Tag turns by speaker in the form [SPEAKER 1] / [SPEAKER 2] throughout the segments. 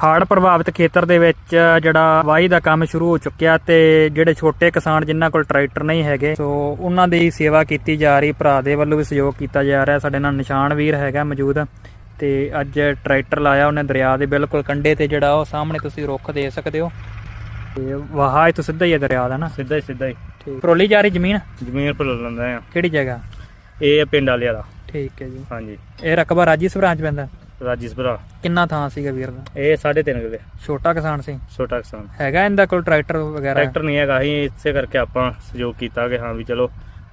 [SPEAKER 1] ਹੜ੍ਹ ਪ੍ਰਭਾਵਿਤ ਖੇਤਰ ਦੇ ਵਿੱਚ ਜਿਹੜਾ ਵਾਹੀ ਦਾ ਕੰਮ ਸ਼ੁਰੂ ਹੋ ਚੁੱਕਿਆ ਤੇ ਜਿਹੜੇ ਛੋਟੇ ਕਿਸਾਨ ਜਿਨ੍ਹਾਂ ਕੋਲ ਟਰੈਕਟਰ ਨਹੀਂ ਹੈਗੇ ਸੋ ਉਹਨਾਂ ਦੀ ਸੇਵਾ ਕੀਤੀ ਜਾ ਰਹੀ। ਭਰਾ ਦੇ ਵੱਲੋਂ ਵੀ ਸਹਿਯੋਗ ਕੀਤਾ ਜਾ ਰਿਹਾ। ਸਾਡੇ ਨਾਲ ਨਿਸ਼ਾਨ ਵੀਰ ਹੈਗਾ ਮੌਜੂਦ ਤੇ ਅੱਜ ਟਰੈਕਟਰ ਲਾਇਆ ਉਹਨੇ ਦਰਿਆ ਦੇ ਬਿਲਕੁਲ ਕੰਢੇ ਤੇ, ਜਿਹੜਾ ਉਹ ਸਾਹਮਣੇ ਤੁਸੀਂ ਰੁੱਖ ਦੇ ਸਕਦੇ ਹੋ ਤੇ ਵਾਹ ਤੋਂ ਸਿੱਧਾ ਹੀ ਹੈ ਦਰਿਆ ਦਾ ਨਾ, ਸਿੱਧਾ ਹੀ। ਠੀਕ, ਪਰੋਲੀ ਜਾ ਰਹੀ ਜ਼ਮੀਨ
[SPEAKER 2] ਪਰੋਲ ਲੈਂਦਾ ਆ।
[SPEAKER 1] ਕਿਹੜੀ ਜਗ੍ਹਾ?
[SPEAKER 2] ਇਹ ਪਿੰਡ ਵਾਲੇ ਵਾਲਾ।
[SPEAKER 1] ਠੀਕ ਹੈ ਜੀ।
[SPEAKER 2] ਹਾਂਜੀ,
[SPEAKER 1] ਇਹ ਰਕਬਾ ਰਾਜੀਸਪੁਰਾ ਚ ਪੈਂਦਾ।
[SPEAKER 2] ਰਾਜੀਸਪੁਰਾ।
[SPEAKER 1] ਕਿੰਨਾ ਥਾਂ ਸੀਗਾ ਵੀਰ ਦਾ?
[SPEAKER 2] ਇਹ 3.5 ਕਿੱਲੇ।
[SPEAKER 1] ਛੋਟਾ ਕਿਸਾਨ ਸੀ?
[SPEAKER 2] ਛੋਟਾ ਕਿਸਾਨ
[SPEAKER 1] ਹੈਗਾ ਇਹਦਾ ਕੋਲ ਟਰੈਕਟਰ ਵਗੈਰਾ?
[SPEAKER 2] ਟਰੈਕਟਰ ਨਹੀਂ ਹੈਗਾ, ਅਸੀਂ ਇਸੇ ਕਰਕੇ ਆਪਾਂ ਸਹਿਯੋਗ ਕੀਤਾ ਕਿ ਹਾਂ ਵੀ ਚਲੋ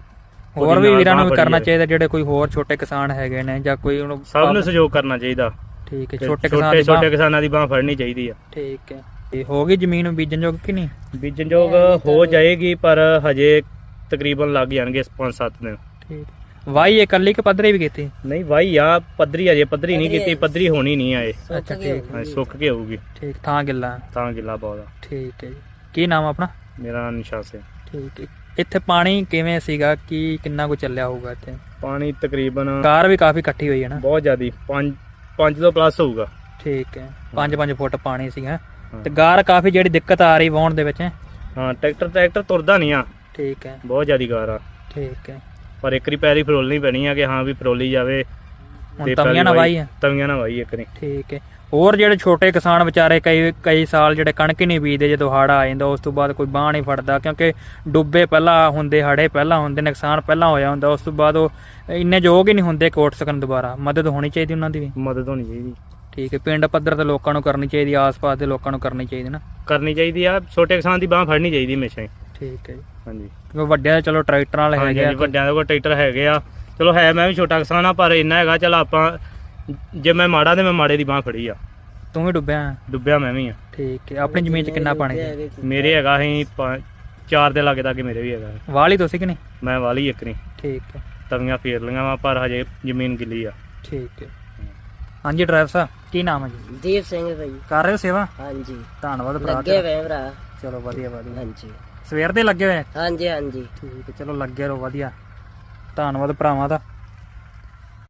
[SPEAKER 1] ਹੋਰ ਵੀ ਵੀਰਾਂ ਨੂੰ ਵੀ ਕਰਨਾ ਚਾਹੀਦਾ, ਜਿਹੜੇ ਕੋਈ ਹੋਰ ਛੋਟੇ ਕਿਸਾਨ ਹੈਗੇ ਨੇ ਜਾਂ ਕੋਈ ਉਹਨੂੰ
[SPEAKER 2] ਸਭ ਨੂੰ ਸਹਿਯੋਗ ਕਰਨਾ ਚਾਹੀਦਾ।
[SPEAKER 1] ਠੀਕ ਹੈ,
[SPEAKER 2] ਛੋਟੇ ਕਿਸਾਨਾਂ ਦੀ ਬਾਂਹ ਫੜਨੀ ਚਾਹੀਦੀ ਆ।
[SPEAKER 1] ਠੀਕ ਹੈ। ਤੇ ਹੋ ਗਈ ਜ਼ਮੀਨ ਬੀਜਣ ਯੋਗ ਕਿ ਨਹੀਂ?
[SPEAKER 2] ਬੀਜਣ ਯੋਗ ਹੋ ਜਾਏਗੀ ਪਰ ਹਜੇ ਤਕਰੀਬਨ ਲੱਗ ਜਾਣਗੇ 5-7 ਦਿਨ।
[SPEAKER 1] ਠੀਕ, ਵਾਹੀ ਇਕੱਲੀ ਕਿ ਪੱਧਰੀ ਵੀ ਕੀਤੀ?
[SPEAKER 2] ਨਹੀਂ ਵਾਹੀ ਆ, ਪੱਧਰੀ ਅਜੇ ਪੱਧਰੀ ਨਹੀਂ ਕੀਤੀ, ਪੱਧਰੀ ਹੋਣੀ ਨਹੀਂ ਆਏ।
[SPEAKER 1] ਅੱਛਾ ਠੀਕ,
[SPEAKER 2] ਸੁੱਕ ਕੇ ਹੋਊਗੀ।
[SPEAKER 1] ਠੀਕ, ਥਾਂ ਗਿੱਲਾ?
[SPEAKER 2] ਤਾਂ ਗਿੱਲਾ ਬਹੁਤ ਆ।
[SPEAKER 1] ਠੀਕ ਹੈ ਜੀ। ਕੀ ਨਾਮ ਆਪਣਾ?
[SPEAKER 2] ਮੇਰਾ ਨਾਮ ਨਿਸ਼ਾਨ ਸਿੰਘ।
[SPEAKER 1] ਠੀਕ ਹੈ। ਇੱਥੇ ਪਾਣੀ ਕਿਵੇਂ ਸੀਗਾ, ਕੀ ਕਿੰਨਾ ਕੁ ਚੱਲਿਆ ਹੋਊਗਾ ਇੱਥੇ?
[SPEAKER 2] ਪਾਣੀ ਤਕਰੀਬਨ
[SPEAKER 1] ਕਾਰ ਵੀ ਕਾਫੀ ਇਕੱਠੀ ਹੋਈ ਹੈ ਨਾ?
[SPEAKER 2] ਬਹੁਤ ਜ਼ਿਆਦੀ, 5 ਤੋਂ ਪਲੱਸ ਹੋਊਗਾ।
[SPEAKER 1] ਠੀਕ ਹੈ, 5 ਫੁੱਟ ਪਾਣੀ ਸੀਗਾ ਤੇ ਗਾਰ ਕਾਫੀ ਜਿਹੜੀ ਦਿੱਕਤ ਆ ਰਹੀ ਵਾਹੁਣ ਦੇ ਵਿੱਚ?
[SPEAKER 2] ਹਾਂ, ਟਰੈਕਟਰ ਤੁਰਦਾ ਨਹੀਂ ਆ।
[SPEAKER 1] ਠੀਕ ਹੈ,
[SPEAKER 2] ਬਹੁਤ ਜ਼ਿਆਦੀ ਗਾਰ ਆ।
[SPEAKER 1] ਠੀਕ ਹੈ,
[SPEAKER 2] ਪਰ ਇੱਕ ਵਾਰੀ ਪੈਰੀ ਫਰੋਲਣੀ ਪੈਣੀ ਆ ਕਿ ਹਾਂ ਵੀ ਫਰੋਲੀ ਜਾਵੇ।
[SPEAKER 1] ਤਵੀਆਂ ਨਾਲ ਵਾਹੀ ਹੈ?
[SPEAKER 2] ਤਵੀਆਂ ਨਾਲ ਵਾਹੀ ਇੱਕ ਵਾਰੀ।
[SPEAKER 1] ਠੀਕ ਹੈ। ਹੋਰ ਜਿਹੜੇ ਛੋਟੇ ਕਿਸਾਨ ਵਿਚਾਰੇ ਕਈ ਸਾਲ ਜਿਹੜੇ ਕਣਕ ਹੀ ਨਹੀਂ ਬੀਜਦੇ, ਜਦੋਂ ਹੜ੍ਹ ਆ ਜਾਂਦਾ ਉਸ ਤੋਂ ਬਾਅਦ ਕੋਈ ਬਾਂਹ ਨਹੀਂ ਫੜਦਾ, ਕਿਉਂਕਿ ਡੁੱਬੇ ਪਹਿਲਾਂ ਹੁੰਦੇ, ਹੜ੍ਹੇ ਪਹਿਲਾਂ ਹੁੰਦੇ, ਨੁਕਸਾਨ ਪਹਿਲਾਂ ਹੋਇਆ ਹੁੰਦਾ, ਉਸ ਤੋਂ ਬਾਅਦ ਉਹ ਇੰਨੇ ਯੋਗ ਹੀ ਨਹੀਂ ਹੁੰਦੇ ਕਿ ਉੱਠ ਸਕਣ ਦੁਬਾਰਾ। ਮਦਦ ਹੋਣੀ ਚਾਹੀਦੀ ਉਹਨਾਂ ਦੀ ਵੀ?
[SPEAKER 2] ਮਦਦ ਹੋਣੀ ਚਾਹੀਦੀ।
[SPEAKER 1] ਠੀਕ ਹੈ, ਪਿੰਡ ਪੱਧਰ ਤੇ ਲੋਕਾਂ ਨੂੰ ਕਰਨੀ ਚਾਹੀਦੀ, ਆਸ-ਪਾਸ ਦੇ ਲੋਕਾਂ ਨੂੰ ਕਰਨੀ ਚਾਹੀਦੀ ਨਾ?
[SPEAKER 2] ਕਰਨੀ ਚਾਹੀਦੀ ਆ, ਛੋਟੇ ਕਿਸਾਨ ਦੀ ਬਾਂਹ ਫੜਨੀ ਚਾਹੀਦੀ ਹਮੇਸ਼ਾ ਹੀ।
[SPEAKER 1] ਠੀਕ ਹੈ ਜੀ।
[SPEAKER 2] ਹਾਂਜੀ,
[SPEAKER 1] ਕਿਉਂਕਿ ਵੱਡਿਆਂ ਦੇ ਚਲੋ ਟਰੈਕਟਰਾਂ ਵਾਲੇ ਹੈਗੇ ਆ,
[SPEAKER 2] ਵੱਡਿਆਂ ਦੇ ਕੋਲ ਟਰੈਕਟਰ ਹੈਗੇ ਆ। ਚਲੋ ਹੈ, ਮੈਂ ਵੀ ਛੋਟਾ ਕਿਸਾਨ ਆ ਪਰ ਇੰਨਾ ਹੈਗਾ ਚਲ ਆਪਾਂ, ਜੇ ਮੈਂ ਮਾੜਾ ਤੇ ਮੈਂ ਮਾੜੇ ਦੀ ਬਾਂਹ ਫੜੀ ਆ।
[SPEAKER 1] ਤੂੰ ਵੀ ਡੁੱਬਿਆ? ਮੈਂ ਵੀ ਆ। ਠੀਕ ਹੈ। ਆਪਣੀ ਜ਼ਮੀਨ 'ਚ ਕਿੰਨਾ ਪਾਣੀ?
[SPEAKER 2] ਮੇਰੇ ਹੈਗਾ ਅਸੀਂ 4 ਦੇ ਲਾਗੇ ਤੱਕ ਮੇਰੇ ਵੀ ਹੈਗਾ।
[SPEAKER 1] ਵਾਲੀ ਤੁਸੀਂ ਕਿ ਨਹੀਂ?
[SPEAKER 2] ਮੈਂ ਵਾਲੀ ਇੱਕ ਨਹੀਂ।
[SPEAKER 1] ਠੀਕ ਹੈ।
[SPEAKER 2] ਤਵੀਆਂ ਫੇਰ ਲਈਆਂ ਵਾ ਪਰ ਹਜੇ ਜ਼ਮੀਨ ਗਿੱਲੀ ਆ।
[SPEAKER 1] ਠੀਕ ਹੈ। ਹਾਂਜੀ ਡਰਾਈਵਰ ਸਾਹਿਬ, ਕੀ ਨਾਮ ਹੈ ਜੀ?
[SPEAKER 3] ਦੀਪ ਸਿੰਘ ਭਾਈ।
[SPEAKER 1] ਕਰ ਰਹੇ ਹੋ ਸੇਵਾ?
[SPEAKER 3] ਹਾਂਜੀ,
[SPEAKER 1] ਧੰਨਵਾਦ ਭਰਾ।
[SPEAKER 3] ਲੱਗੇ ਹੋਏ ਭਰਾ।
[SPEAKER 1] ਚਲੋ ਵਧੀਆ।
[SPEAKER 3] ਹਾਂਜੀ,
[SPEAKER 1] ਸਵੇਰ ਦੇ ਲੱਗੇ ਹੋਏ?
[SPEAKER 3] ਹਾਂਜੀ।
[SPEAKER 1] ਠੀਕ ਹੈ, ਚਲੋ ਲੱਗੇ ਰਹੋ। ਵਧੀਆ, ਧੰਨਵਾਦ ਭਰਾਵਾਂ ਦਾ।